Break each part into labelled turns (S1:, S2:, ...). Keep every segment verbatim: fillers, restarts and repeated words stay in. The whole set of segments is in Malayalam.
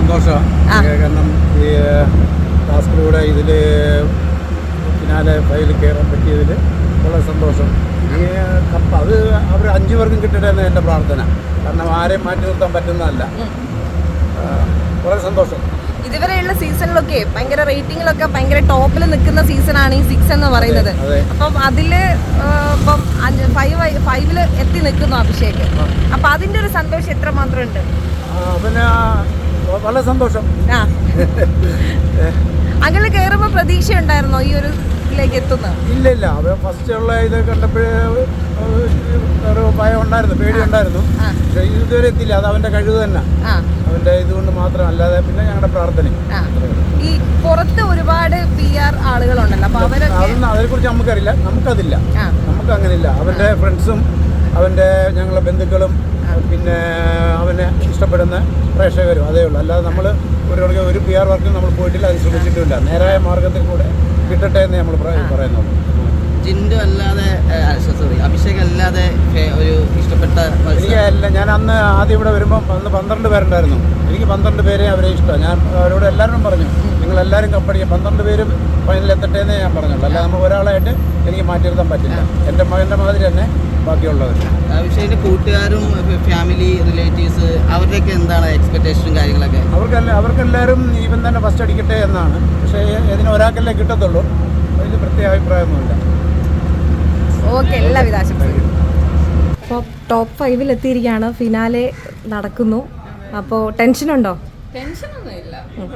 S1: സന്തോഷമാണ്. കാരണം ഈ ടാസ്കിലൂടെ ഇതിൽ ഫിനാലെ ഫൈനൽ കയറാൻ പറ്റിയതിൽ വളരെ സന്തോഷം. ഈ കപ്പ് അത് അവർ അഞ്ചു പേർക്കും കിട്ടട്ടെ എന്ന് എൻ്റെ പ്രാർത്ഥന. കാരണം ആരെയും മാറ്റി നിർത്താൻ പറ്റുന്നതല്ല. വളരെ സന്തോഷം.
S2: ഇതുവരെയുള്ള സീസണിലൊക്കെ ഭയങ്കര റേറ്റിംഗിലൊക്കെ ഭയങ്കര ടോപ്പിൽ നിൽക്കുന്ന സീസണാണ് ഈ സിക്സ് എന്ന് പറയുന്നത്. അപ്പം അതില് ഇപ്പം ഫൈവ് ഫൈവില് എത്തി നിൽക്കുന്നു അഭിഷേക്. അപ്പൊ അതിന്റെ ഒരു സന്തോഷം എത്ര മാത്രം ഉണ്ട്?
S1: പിന്നെ വളരെ സന്തോഷം.
S2: ആ അങ്ങനെ കയറുമ്പോ പ്രതീക്ഷ ഉണ്ടായിരുന്നോ ഈ ഒരു ഇതിലേക്ക് എത്തുന്നത്?
S1: ഇല്ല ഇല്ല അവ ഫസ്റ്റ് ഉള്ള ഇത് കണ്ടപ്പോഴേ ഒരു ഭയം ഉണ്ടായിരുന്നു, പേടി ഉണ്ടായിരുന്നു. പക്ഷെ ഇതുവരെ എത്തില്ല. അത് അവന്റെ കഴിവ് തന്നെ, അവന്റെ ഇതുകൊണ്ട് മാത്രം, അല്ലാതെ പിന്നെ ഞങ്ങളുടെ പ്രാർത്ഥന.
S2: ഈ പുറത്ത് ഒരുപാട് പി ആർ ആളുകളുണ്ടല്ലോ, അപ്പൊ
S1: അതൊന്നും അതിനെ കുറിച്ച് നമുക്കറിയില്ല. നമുക്കതില്ല, നമുക്ക് അങ്ങനെ ഇല്ല. അവന്റെ ഫ്രണ്ട്സും അവന്റെ ഞങ്ങളുടെ ബന്ധുക്കളും പിന്നെ അവനെ ഇഷ്ടപ്പെടുന്ന പ്രേക്ഷകരും അതേ ഉള്ളൂ. അല്ലാതെ നമ്മൾ ഒരു ഒരു പി ആർ വർക്കും നമ്മൾ പോയിട്ടില്ല, അത് ശ്രമിച്ചിട്ടുമില്ല. നേരായ മാർഗത്തിൽ കൂടെ കിട്ടട്ടെ എന്ന് നമ്മൾ പറയുന്നുള്ളൂ.
S3: ജിൻഡു അല്ലാതെ സോറി അഭിഷേക് അല്ലാതെ ഒരു ഇഷ്ടപ്പെട്ട
S1: എനിക്ക് അല്ല, ഞാൻ അന്ന് ആദ്യം ഇവിടെ വരുമ്പോൾ അന്ന് പന്ത്രണ്ട് പേരുണ്ടായിരുന്നു. എനിക്ക് പന്ത്രണ്ട് പേരെ അവരെ ഇഷ്ടമാണ്. ഞാൻ അവരോട് എല്ലാവരും പറഞ്ഞു, നിങ്ങളെല്ലാവരും കപ്പടിക്കുക, പന്ത്രണ്ട് പേരും ഫൈനലിൽ എത്തട്ടെ എന്നേ ഞാൻ പറഞ്ഞുള്ളൂ. അല്ല നമ്മൾ ഒരാളായിട്ട് എനിക്ക് മാറ്റി നിർത്താൻ പറ്റില്ല. എൻ്റെ മകൻ്റെ മാതിരി തന്നെ ബാക്കിയുള്ളവർ.
S3: അഭിഷേകിൻ്റെ കൂട്ടുകാരും ഫാമിലി റിലേറ്റീവ്സ് അവരുടെയൊക്കെ എന്താണ് എക്സ്പെക്ടേഷനും കാര്യങ്ങളൊക്കെ?
S1: അവർക്കല്ല അവർക്കെല്ലാവരും ഇവൻ തന്നെ ഫസ്റ്റ് അടിക്കട്ടെ എന്നാണ്. പക്ഷേ ഇതിന് ഒരാൾക്കല്ലേ കിട്ടത്തുള്ളൂ. അതിൽ പ്രത്യേക അഭിപ്രായമൊന്നുമില്ല.
S2: ഓക്കെ, എല്ലാവിധ ആശംസകളും. അപ്പോൾ ടോപ്പ് ഫൈവിൽ എത്തിയിരിക്കുകയാണ്, ഫിനാലെ നടക്കുന്നു. അപ്പോൾ ടെൻഷനുണ്ടോ?
S4: ടെൻഷനൊന്നുമില്ല.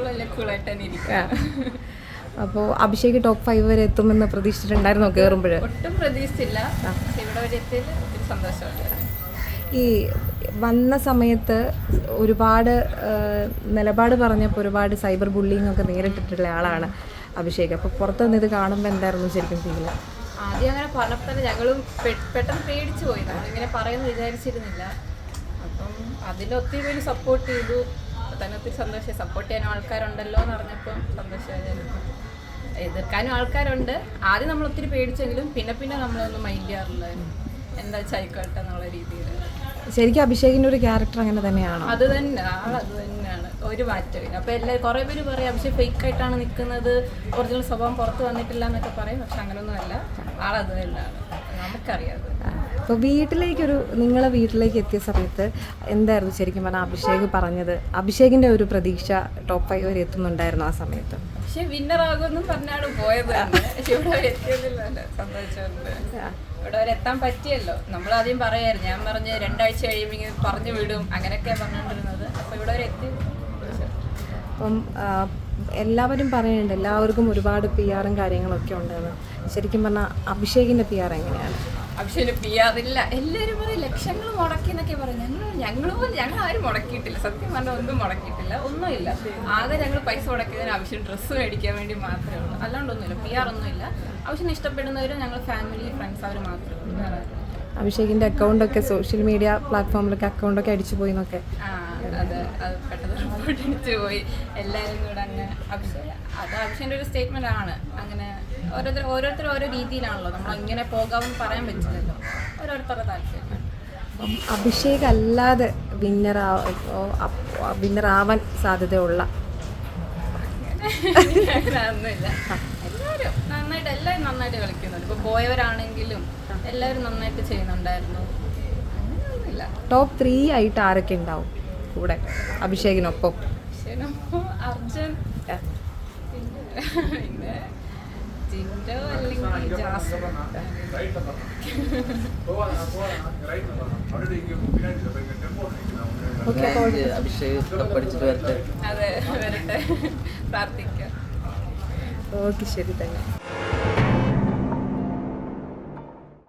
S2: അപ്പോൾ അഭിഷേക് ടോപ്പ് ഫൈവ് വരെ എത്തുമെന്ന് പ്രതീക്ഷിച്ചിട്ടുണ്ടായിരുന്നോ കയറുമ്പോൾ?
S4: ഒട്ടും പ്രതീക്ഷിച്ചില്ല. ഇവിടെ വരെ എത്തിയതിൽ ഒത്തിരി സന്തോഷമുണ്ട്.
S2: ഈ വന്ന സമയത്ത് ഒരുപാട് നിലപാട് പറഞ്ഞപ്പോൾ ഒരുപാട് സൈബർ ബുള്ളിങ് ഒക്കെ നേരിട്ടിട്ടുള്ള ആളാണ് അഭിഷേക്. അപ്പോൾ പുറത്ത് നിന്ന് ഇത് കാണുമ്പോൾ എന്തായിരുന്നു ശരിക്കും ഫീൽ?
S4: ആദ്യം അങ്ങനെ പറഞ്ഞപ്പോൾ തന്നെ ഞങ്ങളും പെട്ടെന്ന് പേടിച്ചു പോയി. നമ്മളിങ്ങനെ പറയുമെന്ന് വിചാരിച്ചിരുന്നില്ല. അപ്പം അതിലൊത്തിരി പേര് സപ്പോർട്ട് ചെയ്തു. തന്നെ ഒത്തിരി സന്തോഷമായി. സപ്പോർട്ട് ചെയ്യാനും ആൾക്കാരുണ്ടല്ലോ എന്ന് പറഞ്ഞപ്പം സന്തോഷമായി. എതിർക്കാനും ആൾക്കാരുണ്ട്. ആദ്യം നമ്മൾ ഒത്തിരി പേടിച്ചെങ്കിലും പിന്നെ പിന്നെ നമ്മളൊന്നും മൈൻഡ് ചെയ്യാറില്ലായിരുന്നു. എന്താ ചായിക്കോട്ടെ എന്നുള്ള രീതിയിൽ.
S2: ശരിക്കും അഭിഷേകിൻ്റെ ഒരു ക്യാരക്ടർ അങ്ങനെ തന്നെയാണോ?
S4: അത് തന്നെ, ആൾ അത് തന്നെയാണ്, ഒരു മാറ്റമില്ല. അപ്പോൾ എല്ലാ കുറേ പേര് പറയും അഭിഷേക് ഫേക്ക് ആയിട്ടാണ് നിൽക്കുന്നത്, ഒറിജിനൽ സ്വഭാവം പുറത്ത് വന്നിട്ടില്ല എന്നൊക്കെ പറയും. പക്ഷെ അങ്ങനെയൊന്നും അല്ല, ആളത് തന്നെയാണ്, നമുക്കറിയാം.
S2: അപ്പോൾ വീട്ടിലേക്കൊരു നിങ്ങളെ വീട്ടിലേക്ക് എത്തിയ സമയത്ത് എന്തായിരുന്നു ശരിക്കും പറഞ്ഞാൽ അഭിഷേക് പറഞ്ഞത്? അഭിഷേകിൻ്റെ ഒരു പ്രതീക്ഷ ടോപ്പ് ഫൈവ് വരെ എത്തുന്നുണ്ടായിരുന്നു ആ സമയത്ത്?
S4: പക്ഷെ വിന്നറാകുമെന്നും പറഞ്ഞാണ് പോയത് തന്നെ. പക്ഷെ ഇവിടെ വരെ എത്തിയതില്ല, സന്തോഷമുണ്ട്. ഇവിടെ വരെ എത്താൻ പറ്റിയല്ലോ. നമ്മൾ ആദ്യം പറയായിരുന്നു, ഞാൻ പറഞ്ഞ് രണ്ടാഴ്ച കഴിയുമ്പോൾ പറഞ്ഞു വിടും അങ്ങനെയൊക്കെയാണ് പറഞ്ഞുകൊണ്ടിരുന്നത്. അപ്പോൾ ഇവിടെ വരെ എത്തി.
S2: അപ്പം എല്ലാവരും പറയുന്നുണ്ട് എല്ലാവർക്കും ഒരുപാട് പി ആറും കാര്യങ്ങളൊക്കെ ഉണ്ടെന്ന്. ശരിക്കും പറഞ്ഞാൽ അഭിഷേകിൻ്റെ പി ആർ എങ്ങനെയാണ്?
S4: അഭിഷേകിന് പി ആർ ഇല്ല. എല്ലാവരും പറയും ലക്ഷങ്ങൾ മുടക്കി എന്നൊക്കെ പറയും. ഞങ്ങൾ ഞങ്ങൾ പോലും ഞങ്ങൾ ആരും മുടക്കിയിട്ടില്ല. സത്യം പറഞ്ഞാൽ ഒന്നും മുടക്കിയിട്ടില്ല, ഒന്നുമില്ല. ആകെ ഞങ്ങൾ പൈസ മുടക്കിയതിന് ആവശ്യം ഡ്രസ്സ് മേടിക്കാൻ വേണ്ടി മാത്രമേ ഉള്ളൂ. അല്ലാണ്ടൊന്നുമില്ല, പി ആർ ഒന്നുമില്ല. ആവശ്യം ഇഷ്ടപ്പെടുന്നവരും ഞങ്ങൾ ഫാമിലി ഫ്രണ്ട്സ് അവർ മാത്രമേ ഉള്ളൂ, വേറെ.
S2: അഭിഷേകിൻ്റെ അക്കൗണ്ടൊക്കെ സോഷ്യൽ മീഡിയ പ്ലാറ്റ്ഫോമിലൊക്കെ അക്കൗണ്ടൊക്കെ അടിച്ചു പോയി എന്നൊക്കെ.
S4: ആ അതെ, അത് പെട്ടെന്ന് റിപ്പോർട്ട് അടിച്ചു പോയി എല്ലാവരും കൂടെ. അങ്ങനെ അഭിഷേക് അത് അഭിഷേകിൻ്റെ ഒരു സ്റ്റേറ്റ്മെൻ്റ് ആണ്. അങ്ങനെ ഓരോരുത്തർ ഓരോരുത്തർ ഓരോ രീതിയിലാണല്ലോ, നമ്മൾ ഇങ്ങനെ പോകാമെന്ന് പറയാൻ പറ്റില്ലല്ലോ, ഓരോരുത്തരുടെ താല്പര്യം.
S2: അഭിഷേക് അല്ലാതെ വിന്നറാ വിന്നറാവാൻ സാധ്യതയുള്ള
S4: അങ്ങനെയൊന്നുമില്ല. എല്ലാവരും നന്നായിട്ട് എല്ലാവരും നന്നായിട്ട് കളിക്കുന്നുണ്ട്. ഇപ്പോൾ പോയവരാണെങ്കിലും എല്ലാവരും നന്നായിട്ട് ചെയ്യുന്നുണ്ടായിരുന്നു. അങ്ങനെയൊന്നുമില്ല.
S2: ടോപ്പ് ത്രീ ആയിട്ട് ആരൊക്കെ ഉണ്ടാവും കൂടെ അഭിഷേകിനൊപ്പം?
S4: അഭിഷേകിനൊപ്പം അർജുൻ, പിന്നെ ജിൻഡോ അല്ലെങ്കിൽ ജാസ്മിൻ.
S3: അഭിഷേക് പഠിച്ചിട്ട് വരട്ടെ.
S4: അതെ, വരട്ടെ, പ്രാർത്ഥിക്കാം.
S2: ഓക്കെ, ശരി തന്നെ.